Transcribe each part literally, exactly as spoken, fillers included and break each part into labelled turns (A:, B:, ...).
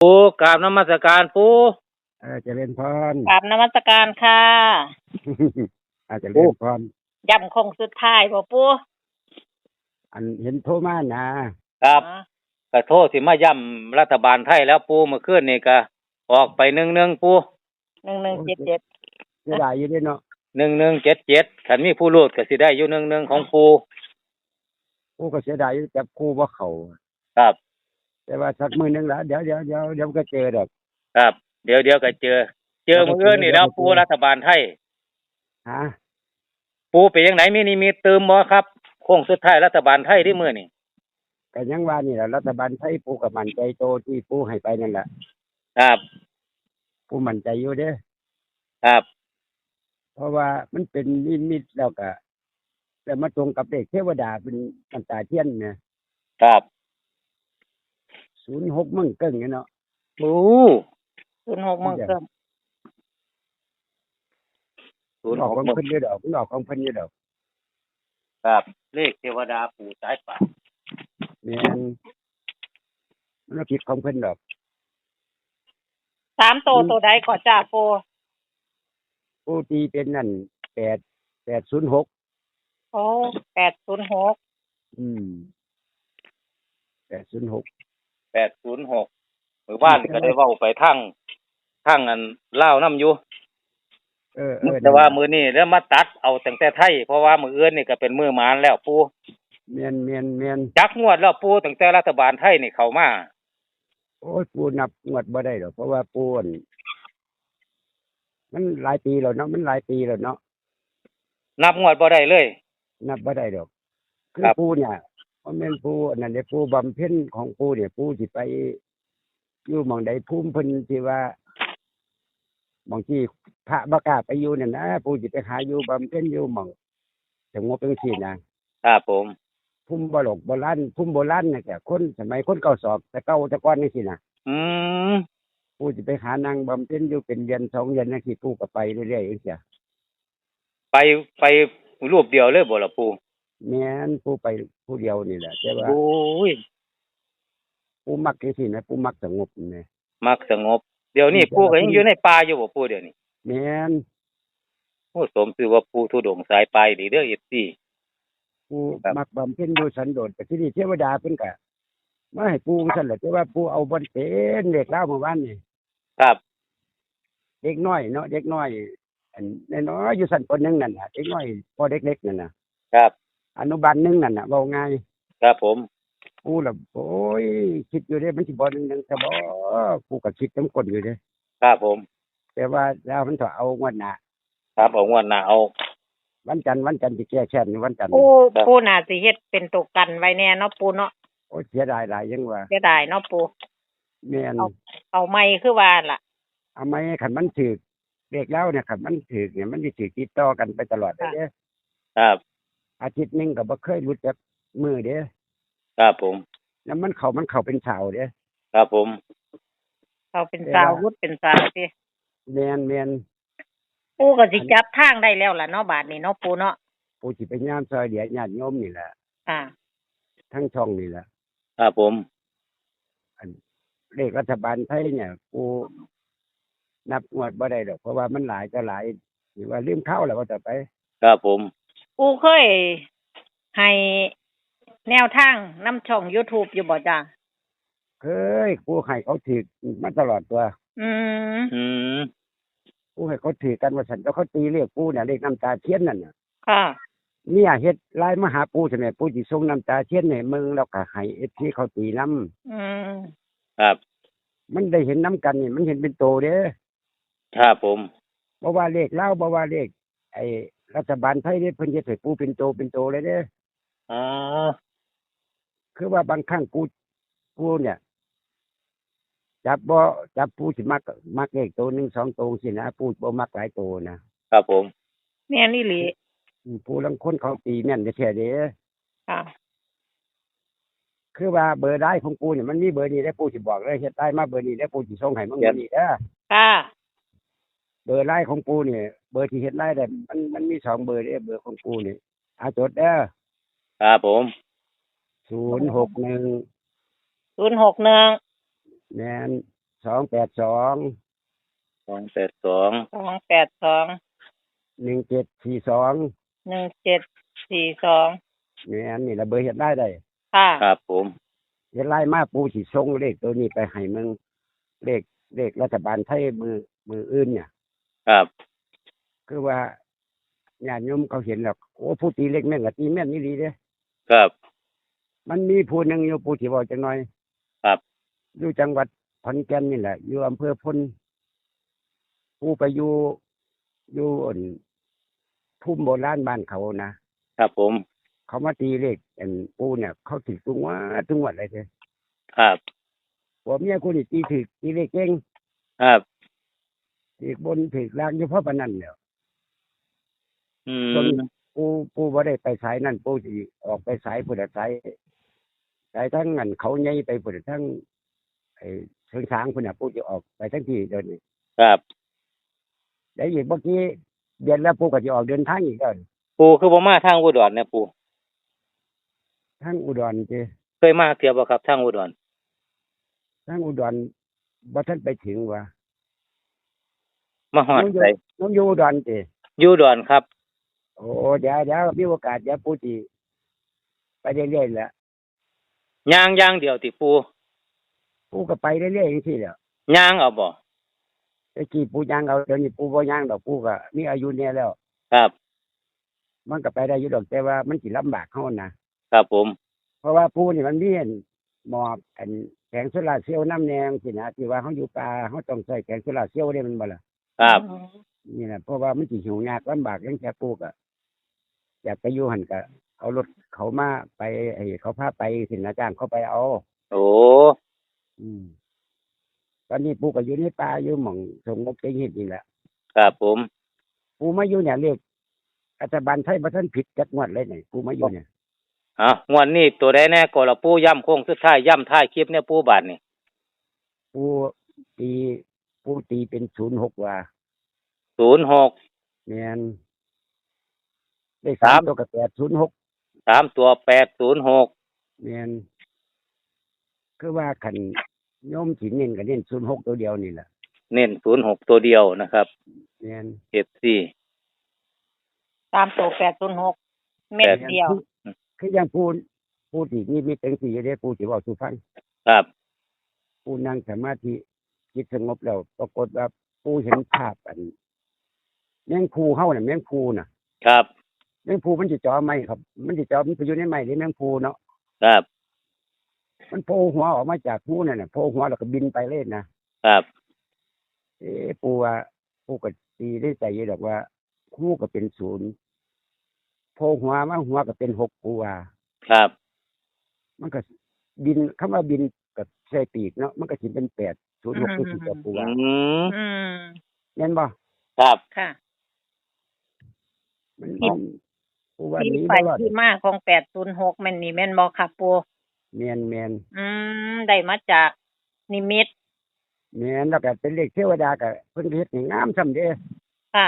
A: ปูกราบนมัสการปู
B: เออเจริญพร
C: กราบนมัสการค่ะ
B: อาจจะเล่นพร
C: ย่ำคงสุดท้ายบ่ปู่
B: อันเห็นโทรมานะครับ
C: อ๋อ
A: ก็โทษสิมาย่ำรัฐบาลไทยแล้วปูเมื่อคืนนี่ก็ออกไปหนึ่งหนึ่งปู
C: หนึ่งหนึ่งเจ็ดเจ็ด
B: เสียดายอยู่เด้เนาะ
A: หนึ่งหนึ่งเจ็ดเจ็ดขันมีผู้รูดก็สิได้อยู่หนึ่งหนึ่งของปู
B: กูก็เสียดายอยู่จับคู่บ่เข้า
A: ครับ
B: แต่ว่าสักมื้อหนึงละเดี๋ยวเดี๋ยวเดี๋ยวเดี๋ยวก็เจอดอก
A: ครับ เดี๋ยวเดี๋ยวก็เจอ เจอเมื่อคืนนี่แล้วปูรัฐบาลไทย
B: ฮะ
A: ปูไปยังไหนมีนี่มีเติมบ่ครับโค้งสุดท้ายรัฐบาลไทยที่มื้อนี่
B: ก็ยังว่านี่แหละรัฐบาลไทยปูก็มั่นใจโตที่ปูให้ไปนั่นแหละ
A: ครับ
B: ปูมั่นใจอยู่เด้
A: ครับ
B: เพราะว่ามันเป็นนิมิตแล้วก็แต่มาตรงกับเลขเทวดาเป็นน้ำตาเทียนเนี่ย
A: ครับ
B: ศูนย์หกมั่งเกิ้งเนี่ยเนาะ
A: ปู
C: ศูนย์หกโมงเกิม
A: ศูนย์
B: อ
A: ห
B: อก
A: ก
B: ของ
A: มื้อ
B: เพิ่นอยู่ดอกมันออกของเพิ่นอยู่ดอก
A: ครับ เลขเทวดาปู่สายป่าน
B: แม่นมันบ่ผิดของเพิ่นดอก
C: สามโตโตใดก่อจ้าปู่
B: ปูตีเป็นนั่นแปดแปดศูนย์หก
C: โอ้แปดศูนย์หก
B: อืมแปดศูนย์หก
A: แปดศูนย์หกหมู่บ้านก็ได้เว้าไปทั้งทั้งอันลาวนํอยู่
B: เออเออ
A: แต่ว่ามื้อนี้แล้วมาตัดเอาตั้งแต่ไทยเพราะว่ามื้ออื่นนี่ก็เป็นมื้อหมานแล้วปู
B: เมียนเมียนเมียน
A: จักงวดแล้วปูตั้งแต่รัฐบาลไทยนี่เข้ามา
B: โอ้ยปูนับงวดบ่ได้หรอกเพราะว่าปูอั่นมันหลายปีแล้วเนาะมันหลายปีแล้วเนาะ
A: นับงวดบ่ได้เลย
B: นับบ่ได้ดอกคือ
A: ครับ
B: ปูเนี่ยเพราะแม่นปูอันนั้นเด้ปูบำเพ็ญของปูเนี่ยปูสิไปอยู่หม่องใดภูมิเพิ่นที่ว่าหม่องที่พระบ่กล้าไปอยู่นั่นนะปูสิไปหาอยู่บำเพ็ญอยู่หม่องสงบจังซี่นะครับ
A: ผม
B: ภูมิบ่หลกโบราณภูมิโบราณน่ะแต่คนสมัยคนเก่าสอบแต่เก่าแต่ก่อนจังซี่นะ
A: อืม
B: ปูสิไปหานางบำเพ็ญอยู่เป็นเดือนสองเดือนจังซี่ปูก็ไปเรื่อยๆจังซี่
A: ไปไปรูปเดียวเลยบ่ล่ะปู
B: แม่นปูไปผู้เดียวนี่แหละแต่ว่า
A: โอ้ย
B: ปูมักจังซี่นะปูมักสงบนี่
A: มักสงบ เดี๋ยวนี้ปูก็ยังอยู่ในป่าอยู่บ่ปูเดี๋ยวนี้
B: แม่น
A: โอ้สมชื่อว่าปูทุดงค์สายปลายนี่เด้อ เอฟ ซี
B: ปู
A: ครับ
B: มักบำเพ็ญอยู่สันโดษแต่ที่นี่เทวดาเพิ่นก็มาให้ปูซั่นแหละแต่ว่าปูเอาบ่เป็นเด็กลาวเมื่อวานนี่
A: ครับ
B: เด็กน้อยเนาะเด็กน้อยอันน้อยๆอยู่ชั้นปหนึ่งนั่นน่ะเด็กน้อยพอเด็กๆนั่นน่ะ
A: ครับ
B: อนุบาลหนึ่งนั่นน่ะเว้าง่าย
A: ครับผม
B: ปูล่ะโอ้ยคิดอยู่เด้มันสิบ่หนึ่งๆแต่บ่ปูก็คิดจังคนอยู่เด้
A: ครับผม
B: แต่ว่าแล้วมันก็เอางวดหน้า
A: ครับเอางวดหน้าเอา
B: วันจันทร์วันจันทร์สิแก้แค้นวันจันทร์
C: ปู่ปู่น่าสิเฮ็ดเป็นตัวกันไว้แน่เนาะปู่เนาะ
B: โอ้ยเสียดายหลายยังว่า
C: เสียดายเนาะปู่
B: แม่น
C: เอา เอาไม่คือว่าล่ะ
B: เอาไหมคันมันถูกเลขแล้วเนี่ยคันมันถูกเนี่ยมันสิถูกติดต่อกันไปตลอดเลยเด้
A: ครับ
B: อาทิตย์หนึงก็บ่เคยหลุดจากมือเด้
A: ครับผม
B: แล้วมันเข้ามันเข้าเป็นเสาเด้
A: ครับผม
C: เขาเป็นสาวรุดเป็นสาวสิ
B: แม่นแม่น
C: ปู่ก็สิจับทางได้แล้วล่ะเนาะบาดนี้เนาะปู่เนาะ
B: ผู้สิไปยามซอยเหลือญาติโยมนี่แหละ
C: อ่า
B: ทั้งช่องนี่แหละ
A: ครับผม
B: เลขรัฐบาลไทยเนี่ยกูนับงวดบ่ได้ดอกเพราะว่ามันหลายก็หลายหรือว่าลืมเข้าแล้วก็ต่อไป
A: ครับผม
C: ปู่เคยให้แนวทางนํช่อง YouTube อยู่บ่จ้า
B: เคยกูให้เขาถือมาตลอดตัว
C: อืม
A: อืม
B: กูให้เขาถือกันว่าฉันก็เขาตีเลขกูเนี่ยเลขน้ำตาเทียนนั่นน่ะ
C: ค่ะ
B: เนี่ยเฮ็ดไลน์มาหาปูใช่ไหมปูสิส่งน้ำตาเทียนให้มึงแล้วก็ให้ เอฟ ซี เขาตีน้
C: อืม
A: ครับ
B: ำมันได้เห็นน้ำกันนี่มันเห็นเป็นโตเด้อ
A: ครับผม
B: บ่ว่าเลขลาวบ่ว่าเลขไอ้รัฐบาลไทยเด้เพิ่นเฮ็ดให้ปูเป็นโตเป็นโตเลยเด้อ
A: อ๋อ
B: คือว่าบางครั้งปูปูเนี่ย จับบ่จับปูสิมักมักเลขโตหนึ่งสองโตสินะปูบ่มักหลายโตนะครับ
A: ผม
C: แม่นอีหลี
B: อืมปูลังคนเขาตีแม่นแท้ๆเด้อ
C: ค่ะ
B: คือว่าเบอร์ได้ของปูเนี่ยมันมีเบอร์นี้ได้ปูสิบอกเลยเฮ็ดได้มาเบอร์นี้ได้ปูสิส่งให้มึงเบอร์นี้เด้อ
C: ค่ะ
B: เบอร์ไลน์ของปูเนี่ยเบอร์ที่เฮ็ดไลน์ได้มันมันมีสองเบอร์เด้อเบอร์ของปูนี่อาจดเด้อ
A: ครับผม
B: ศูนย์หกหนึ่ง
C: ศูนย์หกหนึ่ง
B: แม่นสองแปดสอง
A: สองแปดสอง
C: สองแปดสอง
B: หนึ่งเจ็ดสี่สอง
C: หนึ่งเจ็ดสี่สอง
B: นี่อันนี้ระเบอร์เฮ็ดได้ได้
C: ค่ะ
A: ครับผม
B: เฮ็ดไล่มาปูสิส่งเลขตัวนี้ไปให้มึงเลขเลขรัฐบาลไทยมือมืออื่นเนี่ย
A: ครับ
B: คือว่าญาติโยมเขาเห็นแล้วโอ้ผู้ตีเลขแม่นก็ตีแม่นนี่ดีเด้
A: ครับ
B: มันมีผู้หนึงอยู่ผู้ที่บอกจังหน่อย
A: ครับ
B: อยู่จังหวัดขอนแก่นนี่แหละอยู่อำเภอพลผู้ไปอยู่อยู่อั่นภูมิโบราณบ้านเขานะครับ
A: ผม
B: เขามาตีเลขอันปูเนี่ย เขาถือตุงว่าทุกงวดเลยเด้อ
A: ครับ
B: ผัวเมียกูนี่ตีถือตีเลขเก่ง
A: ครับ
B: ถือบนถือล่างอยู่เพราะปานนั้นแหล้ว
A: อื
B: จน
A: ม
B: ปูปูบ่ได้ไปสายนั่นปูสิออกไปสายพุทธสายสายทั้งนั้นเขาใหญ่ไปพุทธทั้งไอ้เชิงช้างพุ่นน่ะปูจะออกไปทั้งที่เดินนี่
A: ครับ
B: แล้วอีกเมื่อกี้เดือนแล้วปูก็จะออกเดินทางอีกแล้ว
A: ปูคือบ่มาทางอุดรเนี่ยปู
B: ทั้งอุดรเจ
A: เคยมาเที่ยวบ่ครับทางอุดร
B: ทั้งอุดรบ่ทันไปถึงว่า
A: มาฮอดไส
B: น้องอยู่อุดรเจ
A: อยู่อุดรครับ
B: โอ้เดี๋ยวเดี๋ยวมีโอกาสเดี๋ยวปูสิไปเรื่อยๆแหละ
A: ย่างอย่างเดียวติปู
B: ปูก็ไปเรื่อยๆจังซี่แหล้ว
A: ย่างเอาบ่
B: ไอ้กี้ปูย่างเอาเดี๋ยวนี้ปูบ่ย่างดอกปูก็มีอายุเนี่ยแล้ว
A: ครับ
B: มันก็ไปได้อยู่ดอกแต่ว่ามันสิลำบากเฮานะครับ
A: ผม
B: เพราะว่าปูนี่มันมีอันหมอบอันแผงโซลาร์เซลล์น้ำแนงสินะที่ว่าเฮาอยู่ป่าเฮาต้องใช้แผงโซลาร์เซลล์ได้มันบ่ล่ะ
A: ครับ
B: นี่น่ะเพราะว่ามันสิหิวยากลำบากจังแค่ปูก็อยากไปอยู่หั่นก็เอารถเขามาไปให้เขาพาไปสินะจ้างเขาไปเอา
A: โอ้
B: อืมตอนนี้ปูก็อยู่ในป่าอยู่หม่องสงบใจเฮ็ดนี่แหละ
A: ครับผม
B: ปูมาอยู่เนี่ยเรียกรัฐบาลไทยบ่ทันผิดจักงวดเลยนี่ปูมาอยู่เนี่ย
A: อ่ะงวดนี้ตัวใดแน่ก็ละปูย่ำโค้งสุดท้ายย่ำท้ายคลิปเนี่ยปูบาดนี่
B: ปูตีปูตีเป็นศูนย์หกว่า
A: ศูนย์หก
B: แม่นได้สามตัวกับแปดศูนย์หก
A: สามตัวแปดศูนย์หก
B: แม่นคือว่าคันโยมสิเน้นก็เน้นศูนย์หกตัวเดียวนี่แหละ
A: เน้นศูนย์หกตัวเดียวนะครับ
B: แม่น
A: เอฟซี
C: ตามตัวแปดศูนย์หกเม็ดเดียว
B: คือคืออย่างปูปูที่นี่มีเป็นสีอยู่เด้ปูสิเว้าสู่ฟัง
A: ครับ
B: ปูนั่งสมาธิจิตสงบแล้วปรากฏว่าปูเห็นภาพอันแมงภูเฮาน่ะแมงภูน่ะ
A: ครับ
B: แมงภูมันสิจ่อไม้ครับ มันสิจ่อมันไปอยู่ในไม้หรือแมงภูเนาะ
A: ครับ
B: มันโผล่หัวออกมาจากภูนั่นน่ะโผล่หัวแล้วก็บินไปเลยนะครับ เอ๊ะปูว่าปูก็ตีได้ใจอยู่ดอกว่าภูก็เป็นศูนย์โผล่หัวมาหัวก็เป็นหกปูว่า
A: ครับ
B: มันก็บินคำว่าบินกับใส่ปีกเนาะมันก็สิเป็นแปดศูนย์หกคือสิกับปู
A: อื
B: ว่า
A: ม
C: อืม
B: แม่นบ่
A: ครับ
C: ค่ะ
B: มัน
C: ที่
B: มองปูว่า
C: ที่
B: หนี้
C: ไป
B: บ่รอด
C: ที่มาของแปดศูนย์หกแม่นนี่แม่นบ่ค่ะปู
B: แม่นแม่น
C: อืม ได้มาจากนิมิต
B: แม่นแล้วก็เป็นเลขเทวดาก็เพิ่นเฮ็ดให้งามส่ำเด้
C: ค่ะ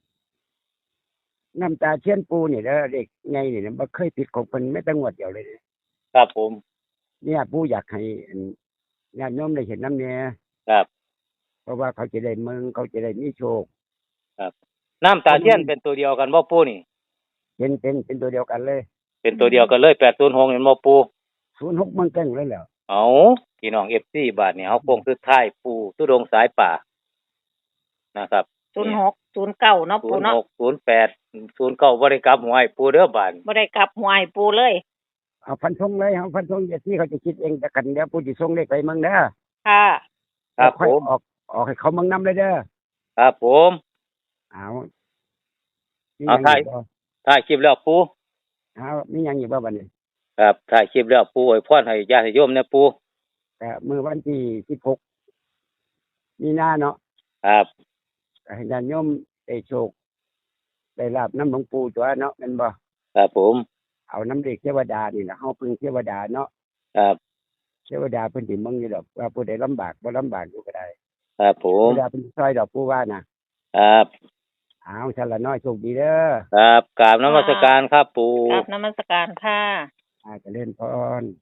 B: น้ำตาเทียนปูนี่เด้อเด็กไงนี่นะบ่เคยผิดของเพิ่นแม้แต่งวดเดียวเลย
A: ครับผม
B: เนี่ยปูอยากให้อันญาติโยมได้เห็นน้ำเนี่ย
A: ครับ
B: เพราะว่าเขาจะได้เมืองเขาจะได้มีโชค
A: น้ำตาเทียนเป็นตัวเดียวกันบ่ปูนี่
B: เป็นเป็นเป็นตัวเดียวกันเลย
A: เป็นตัวเดียวกันเลยแปดศูนย์หกเห็นบ่ปู
B: ศูนย์หกมันเก่งเลยแล้ว
A: เอาพี่น้องเอฟซีบาทนี่เอาโค้งสุดท้ายปูทุดงสายป่านะครับ
C: ศูนย์หก ศูนย์เก้าเนาะ
A: ศู
C: ปู
A: นย์
C: เนาะ
A: หกศูนย์แปดศูนย์เก้าบริกรรมหวยปูเด้อบาน
C: บ่ได้กลับหัวให้ปูเลย
B: เอาพันธงเลยเอาพันธงอย่าที่เขาจะคิดเองแต่กันเดี๋ยวปูสิส่งเลขไปเมืองเด้อ
C: ค่ะ
A: ครับ
B: ค่อย
A: ผม
B: ออกออกให้เขาเมืองนํเลยเด้อ
A: ครับผม
B: เอามี
A: เอา
B: หยัง
A: ถ่าย
B: อีกบ่
A: ถ่ายคลิปแล้วปู
B: เอามีหยังอีกบ่บัดนี้
A: ครับถ่ายคลิปแล้วปูอวยพรให้ญาติโยมนะปู
B: ก็มื้อวันที่สิบหกมีนาเนาะ
A: ครับ
B: ก็ให้ญาติโยมได้โชคได้ลาบน้ำหลวงปู่ตัวเนาะแม่นบ่
A: ครับผม
B: เอาน้ำเด็กเทวดานี่ล่ะเฮาพึ่งเทวดาเนาะ
A: ครับ
B: เทวดาเพิ่นสิเบิ่งอยู่ดอกว่าผู้ใดลำบากบ่ลำบากอยู่ก็ได้
A: ครับผ
B: เท
A: ม
B: วดาเพิ่นซอยดอกผู้ว่าน่ะ
A: ครับ
B: เอาซั่นละน้อยโชคดีเด้อ
A: ครับกราบนมัสการครับปู
C: กราบนมัสการค่ะ
B: อาเจริญพร